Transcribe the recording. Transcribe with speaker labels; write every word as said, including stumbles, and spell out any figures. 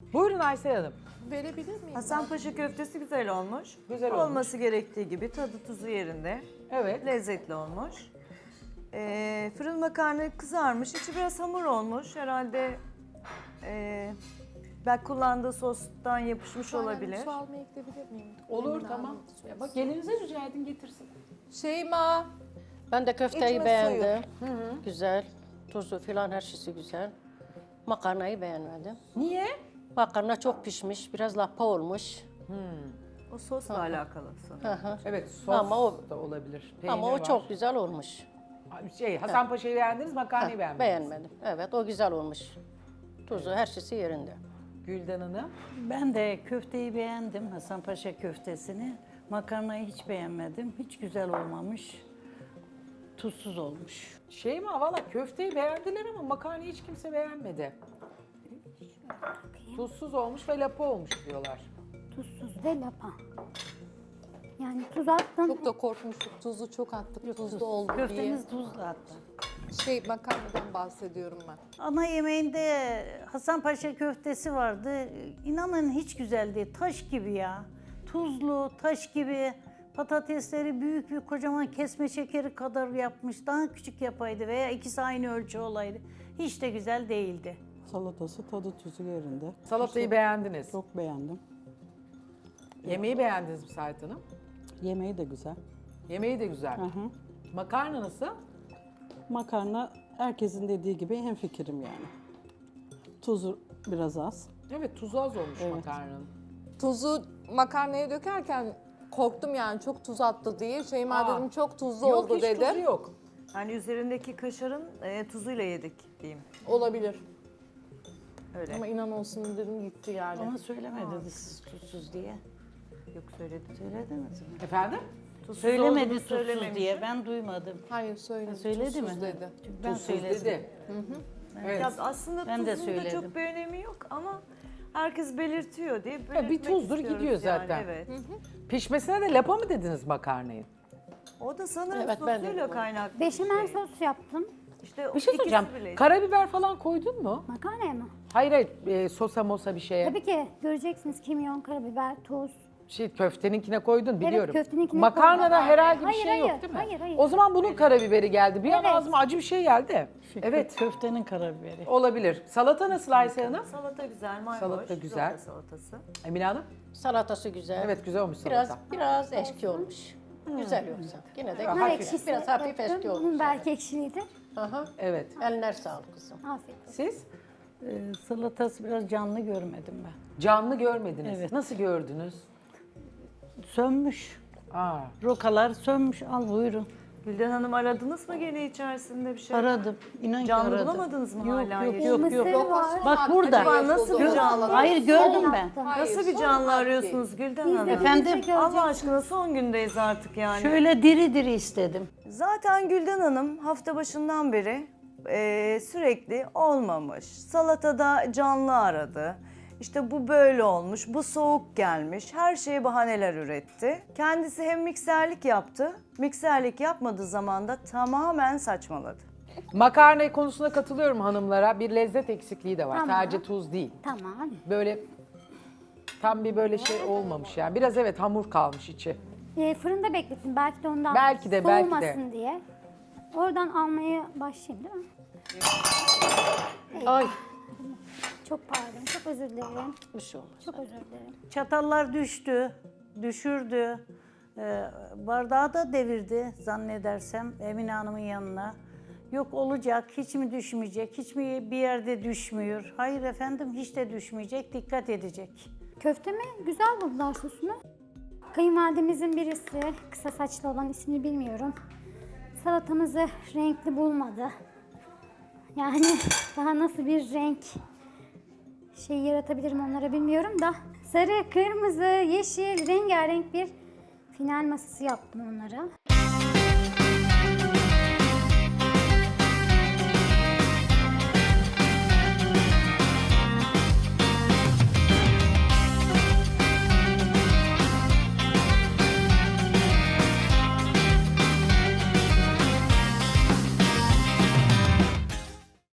Speaker 1: Buyurun Aysel Hanım.
Speaker 2: Verebilir miyim?
Speaker 3: Hasanpaşa köftesi güzel olmuş.
Speaker 1: Güzel
Speaker 3: Olması gerektiği gibi tadı tuzu yerinde.
Speaker 1: Evet.
Speaker 3: Lezzetli olmuş. Ee, fırın makarna kızarmış. İçi biraz hamur olmuş. Herhalde e, belki kullandığı sostan yapışmış olabilir.
Speaker 2: Su almaya gidebilir miyim?
Speaker 1: Olur
Speaker 2: Emin
Speaker 1: tamam.
Speaker 2: aldım.
Speaker 1: Ya bak gelinize rica edin getirsin.
Speaker 2: Şeyma.
Speaker 4: Ben de köfteyi
Speaker 2: İçme
Speaker 4: beğendim. Güzel. Tuzu filan her şeysi güzel. Makarnayı beğenmedim.
Speaker 1: Niye?
Speaker 4: Makarna çok pişmiş, biraz lapa olmuş.
Speaker 3: O sosla alakalı sanırım.
Speaker 4: Hı hı.
Speaker 1: Evet sos
Speaker 4: Ama o-
Speaker 1: da olabilir.
Speaker 4: Ama
Speaker 1: Peynir
Speaker 4: o
Speaker 1: var.
Speaker 4: çok güzel olmuş.
Speaker 1: Şey Hasan Paşa'yı beğendiniz, makarnayı
Speaker 4: Heh,
Speaker 1: beğenmediniz.
Speaker 4: beğenmedim. Evet, o güzel olmuş. Tuzu her şeysi yerinde.
Speaker 1: Gülden Hanım.
Speaker 5: Ben de köfteyi beğendim, Hasanpaşa köftesini. Makarnayı hiç beğenmedim. Hiç güzel olmamış. Tuzsuz olmuş.
Speaker 1: Şey mi valla köfteyi beğendiler ama makarnayı hiç kimse beğenmedi. Tuzsuz olmuş ve lapa olmuş diyorlar.
Speaker 6: Tuzsuz ve lapa. Yani tuz attın.
Speaker 2: Çok da korkmuştuk. Tuzu çok attık. Tuzlu oldu diye.
Speaker 5: Köftemiz tuzlu hatta.
Speaker 2: Şey makarnadan bahsediyorum ben.
Speaker 5: Ana yemeğinde Hasanpaşa köftesi vardı. İnanın hiç güzel değil. Taş gibi ya. Tuzlu, taş gibi. Patatesleri büyük bir kocaman kesme şekeri kadar yapmış. Daha küçük yapaydı veya ikisi aynı ölçü olaydı. Hiç de güzel değildi.
Speaker 7: Salatası tadı tuzu yerinde.
Speaker 1: Salatayı beğendiniz.
Speaker 7: Çok beğendim.
Speaker 1: Yemeği beğendiniz mi Sait Hanım?
Speaker 7: Yemeği de güzel.
Speaker 1: Yemeği de güzel.
Speaker 7: Hı hı.
Speaker 1: Makarna nasıl?
Speaker 7: Makarna herkesin dediği gibi hemfikirim yani. Tuzu biraz az.
Speaker 1: Evet tuzu az olmuş
Speaker 7: Evet.
Speaker 1: makarnanın.
Speaker 2: Tuzu makarnaya dökerken korktum yani çok tuz attı diye. Şeyma
Speaker 1: Aa.
Speaker 2: dedim çok tuzlu
Speaker 1: Yok
Speaker 2: oldu
Speaker 1: hiç
Speaker 2: dedim.
Speaker 1: tuzu yok.
Speaker 3: Yani üzerindeki kaşarın e, tuzuyla yedik diyeyim.
Speaker 2: Olabilir.
Speaker 3: Öyle.
Speaker 2: Ama inan olsun dedim gitti yani.
Speaker 5: Ama söylemediniz siz tuzsuz diye.
Speaker 3: Yok söyledim.
Speaker 5: Söylediniz mi?
Speaker 1: Efendim?
Speaker 3: Tuzsuz
Speaker 5: Söylemedi
Speaker 3: olduğunu
Speaker 5: tuzsuz
Speaker 3: söylememişim.
Speaker 5: diye. Ben duymadım.
Speaker 2: Hayır söyledi.
Speaker 5: Söyledi mi?
Speaker 2: Tuzsuz dedi.
Speaker 5: Çünkü ben
Speaker 1: Tuzsuz
Speaker 5: söyledim.
Speaker 1: dedi. Evet.
Speaker 3: Ya aslında
Speaker 5: Ben de
Speaker 3: tuzun da
Speaker 5: söyledim.
Speaker 3: çok bir önemi yok ama herkes belirtiyor diye
Speaker 1: bir
Speaker 3: belirtmek
Speaker 1: tuzdur
Speaker 3: istiyoruz
Speaker 1: gidiyor
Speaker 3: yani,
Speaker 1: zaten.
Speaker 3: Evet.
Speaker 1: Pişmesine de lapa mı dediniz makarnayı?
Speaker 3: O da sanırım
Speaker 4: Evet, ben de
Speaker 3: sosuyla
Speaker 4: dedim.
Speaker 3: kaynaklı.
Speaker 6: Beşamel
Speaker 3: şey.
Speaker 6: sos yaptım.
Speaker 3: İşte
Speaker 1: Bir şey
Speaker 3: ikisi
Speaker 1: soracağım.
Speaker 3: bile-
Speaker 1: Karabiber falan koydun mu?
Speaker 6: Makarnaya mı?
Speaker 1: Hayır hayır e, sosa mosa bir şeye.
Speaker 6: Tabii ki göreceksiniz kimyon, karabiber, tuz.
Speaker 1: Şey köfteninkine koydun biliyorum.
Speaker 6: köfteninkine
Speaker 1: Makarnada
Speaker 6: koydum.
Speaker 1: herhangi bir
Speaker 6: Hayır,
Speaker 1: şey yok
Speaker 6: hayır,
Speaker 1: değil mi?
Speaker 6: hayır, hayır.
Speaker 1: O zaman bunun karabiberi geldi. Bir an
Speaker 6: Evet.
Speaker 1: ağzıma acı bir şey geldi.
Speaker 5: Şu
Speaker 1: Evet
Speaker 5: Köftenin karabiberi.
Speaker 1: olabilir. Salata nasıl Aysel Hanım?
Speaker 3: Salata güzel, mayhoş.
Speaker 1: Salata güzel.
Speaker 3: Zorla salatası.
Speaker 1: Emine Hanım?
Speaker 4: Salatası güzel.
Speaker 1: Evet güzel olmuş
Speaker 4: Biraz
Speaker 1: salata.
Speaker 4: biraz eski olmuş. Güzel yoksa. Yine de
Speaker 1: Nar
Speaker 6: Nar
Speaker 4: hafif,
Speaker 6: ekşisi
Speaker 4: biraz hafif
Speaker 6: yaptım.
Speaker 4: eski olmuş.
Speaker 6: Bunun belki ekşiliydi.
Speaker 4: Aha.
Speaker 1: Evet.
Speaker 4: Eline sağlık kızım.
Speaker 6: Afiyet olsun.
Speaker 1: Siz?
Speaker 5: Ee, salatası biraz canlı görmedim ben.
Speaker 1: Canlı görmediniz.
Speaker 5: Evet.
Speaker 1: Nasıl gördünüz?
Speaker 5: Sönmüş.
Speaker 1: Aa,
Speaker 5: Rokalar sönmüş. Al buyurun.
Speaker 3: Gülden Hanım aradınız mı gene içerisinde bir şey?
Speaker 5: Aradım. İnan ki
Speaker 3: Canlı
Speaker 5: aradım.
Speaker 3: bulamadınız mı
Speaker 5: yok,
Speaker 3: hala
Speaker 5: Yok
Speaker 3: yeşil?
Speaker 5: yok
Speaker 6: Mısır
Speaker 5: yok.
Speaker 6: var.
Speaker 5: Bak burada.
Speaker 3: Acaba nasıl bir canlı?
Speaker 5: Hayır gördüm ben.
Speaker 6: Yaptım.
Speaker 2: Hayır,
Speaker 3: Nasıl bir
Speaker 2: son
Speaker 3: canlı
Speaker 2: harfi.
Speaker 3: arıyorsunuz Gülden
Speaker 6: Biz de
Speaker 3: Hanım?
Speaker 5: Efendim?
Speaker 6: gelecek
Speaker 3: Allah
Speaker 6: olacak.
Speaker 3: aşkına son gündeyiz artık yani.
Speaker 5: Şöyle diri diri istedim.
Speaker 3: Zaten Gülden Hanım hafta başından beri e, sürekli olmamış. Salatada canlı aradı. İşte bu böyle olmuş, bu soğuk gelmiş. Her şeye bahaneler üretti. Kendisi hem mikserlik yaptı, mikserlik yapmadığı zaman da tamamen saçmaladı.
Speaker 1: makarna konusunda katılıyorum hanımlara. Bir lezzet eksikliği de var.
Speaker 6: Tamam.
Speaker 1: Sadece tuz değil.
Speaker 6: Tamam.
Speaker 1: Böyle tam bir böyle şey olmamış yani. Biraz evet hamur kalmış içi.
Speaker 6: Ee, fırında beklettim. Belki de ondan
Speaker 1: Belki de, belki de.
Speaker 6: soğumasın diye. Oradan almaya başlayayım değil mi?
Speaker 4: Ay.
Speaker 6: Çok pardon. Çok özür dilerim.
Speaker 4: Bir şey olmaz.
Speaker 6: Çok özür dilerim.
Speaker 5: Çatallar düştü, düşürdü. Ee, bardağı da devirdi zannedersem Emine Hanım'ın yanına. Yok olacak, hiç mi düşmeyecek, hiç mi bir yerde düşmüyor? Hayır efendim, hiç de düşmeyecek, dikkat edecek.
Speaker 6: Köftemi güzel buldular sosunu. Kayınvalidemizin birisi, kısa saçlı olan ismini bilmiyorum. Salatamızı renkli bulmadı. Yani daha nasıl bir renk şey yaratabilirim onlara bilmiyorum da. Sarı, kırmızı, yeşil, rengarenk bir final masası yaptım onlara.